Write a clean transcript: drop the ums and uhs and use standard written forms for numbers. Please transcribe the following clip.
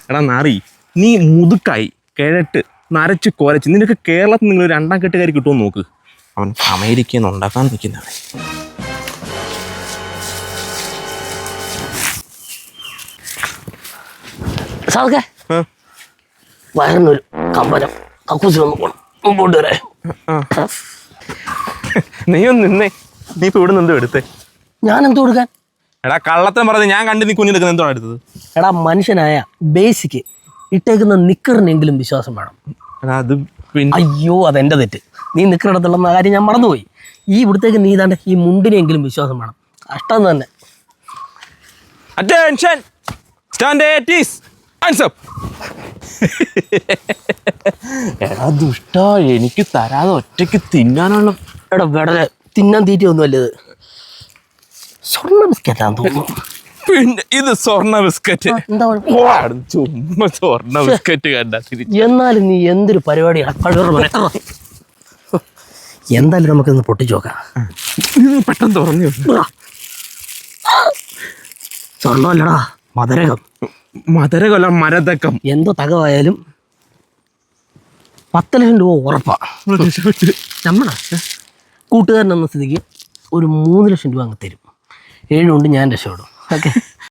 എടാ നാറി, നീ മുതുക്കായി കിഴട്ട് നരച്ച് കുരച്ച് നിനക്ക് കേരളത്തിൽ നിങ്ങൾ രണ്ടാം കെട്ടുകാരി കിട്ടുമെന്ന് നോക്ക്. അവൻ അമേരിക്കയിൽ നിന്ന് ഉണ്ടാക്കാൻ നിൽക്കുന്നവൻ. സാധക്കെ വയറിനൊരു കമ്പനം കക്കൂസിലൊന്നും പോകണം, മുമ്പോട്ട് വരെ. നീ ഒന്ന് നിന്നേ. നീ ഇപ്പൊ ഇവിടെ നിന്ന് എടുത്തേ? ഞാൻ എന്ത് കൊടുക്കാൻ? എടാ കള്ളത്തം പറഞ്ഞ് ഞാൻ കണ്ട് നീ കുഞ്ഞെടുക്കുന്ന എന്തോ എടുത്തത്? എടാ മനുഷ്യനായ ബേസിക്ക് ഇട്ടേക്കുന്ന നിക്കറിനെങ്കിലും വിശ്വാസം വേണം. എടാ അത് പിന്നെ അയ്യോ അതെന്റെ തെറ്റ്. നീ നിക്കറിടത്തുള്ള കാര്യം ഞാൻ മറന്നുപോയി. ഈ ഇവിടത്തേക്ക് നീ താണ്ട് ഈ മുണ്ടിനെങ്കിലും വിശ്വാസം വേണം. കഷ്ടം തന്നെ. Attention stand at ease hands up. എടാ ദുഷ്ട, എനിക്ക് തരാതെ ഒറ്റയ്ക്ക് തിന്നാനുള്ള എടാ വെടലെ തിന്നാൻ തീറ്റയൊന്നും അല്ലത്. സ്വർണ്ണ ബിസ്ക്കറ്റാന്ന് തോന്നുന്നു. പിന്നെ ഇത് സ്വർണ്ണ ബിസ്ക്കറ്റ്. എന്താ ചുമ്മാ സ്വർണ്ണ ബിസ്ക്കറ്റ് കണ്ടാ തിരിച്ചു. എന്നാലും നീ എന്തൊരു പരിപാടിയാണ്. എന്തായാലും നമുക്കിന്ന് പൊട്ടിച്ചു നോക്കാം. പെട്ടെന്ന് തുറന്നു. സ്വർണ്ണമല്ലടാ, മധുരകം. മധുരകൊല്ല മരതക്കം. എന്തോ തകവായാലും 10 ലക്ഷം രൂപ ഉറപ്പാ. നമ്മളാ കൂട്ടുകാരൻ എന്ന സ്ഥിതിക്ക് ഒരു 3 ലക്ഷം രൂപ അങ്ങ് തരും. 7 കൊണ്ട് ഞാൻ രക്ഷപ്പെടും. ഓക്കെ.